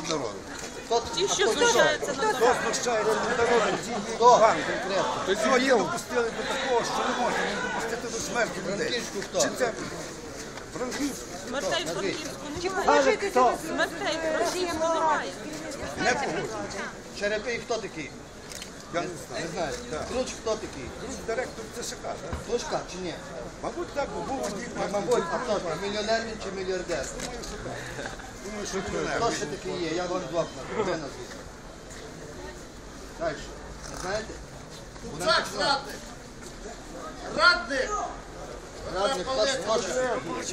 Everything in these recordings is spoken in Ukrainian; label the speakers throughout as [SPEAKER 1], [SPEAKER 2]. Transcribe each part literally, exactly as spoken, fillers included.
[SPEAKER 1] над народом.
[SPEAKER 2] Ті, що знущаються над
[SPEAKER 3] Хто знущається над народом? Ті вам конкретно. Сьогодні допустили до такого, що не можна не допустити до смерті людей.
[SPEAKER 1] Франківську хто?
[SPEAKER 3] Чи це Франківську?
[SPEAKER 2] Смертей в Франківську немає. Смертей в Франківську немає.
[SPEAKER 3] Не погоджується.
[SPEAKER 1] Черепий хто такий?
[SPEAKER 3] Я не знаю.
[SPEAKER 1] Не знаю. Круч хто такий?
[SPEAKER 3] Друг директор ЦШК, так?
[SPEAKER 1] Тушка чи ні?
[SPEAKER 3] Мабуть, так, бо був водій.
[SPEAKER 1] Мабуть, а хто ж? Мільйонер він чи мільярдер?
[SPEAKER 3] Думаю, що мільйонер.
[SPEAKER 1] Хто ще такий є? Я вам двох назву. Далі. Не знаєте?
[SPEAKER 4] Куцак радник! Радник!
[SPEAKER 1] Радник, хто ж хоче?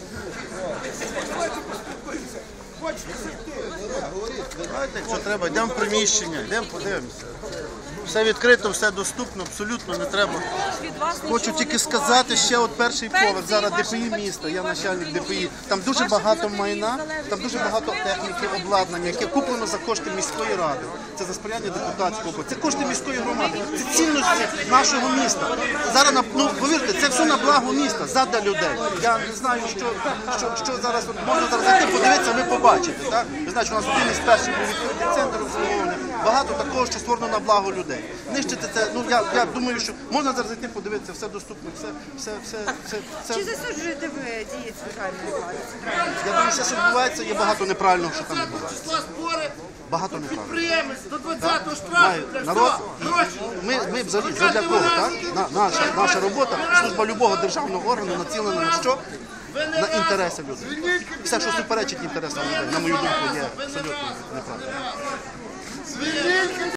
[SPEAKER 5] Знаєте, якщо треба, йдемо в приміщення, йдемо подивимося. Все відкрито, все доступно, абсолютно не треба. Хочу тільки сказати, ще от перший поверх, зараз ДПІ міста, я начальник ДПІ. Там дуже багато майна, там дуже багато техніки, обладнання, яке куплено за кошти міської ради. Це за сприяння депутатського. Це кошти міської громади, це цінності нашого міста. Зараз, ну, повірте, це все на благо міста, задля людей. Я не знаю, що, що, що зараз, от, можна зараз зайти, подивитися, ви побачите. Так? Ви знаєте, у нас один із перших був відкритий центр обслуговування. Багато такого, що створено на благо людей. Нищити це, ну я, я думаю, що можна зараз зайти, подивитися, все доступно, все, все, все, все, все.
[SPEAKER 6] Чи засуджуєте ви дії центральної влади?
[SPEAKER 5] Я думаю, що, що відбувається, є багато неправильного, що там відбувається.
[SPEAKER 4] Числа збори,
[SPEAKER 5] Багато неправильного.
[SPEAKER 4] підприємець до двадцятого штрафу,
[SPEAKER 5] Має
[SPEAKER 4] для
[SPEAKER 5] народ,
[SPEAKER 4] що? Гроші.
[SPEAKER 5] ми, ми взагалі, для кого, так? На, наша, наша робота, служба любого державного органу націлена на що? На інтереси людей. Все, що суперечить інтересам людей, на мою думку, є абсолютно неправильно.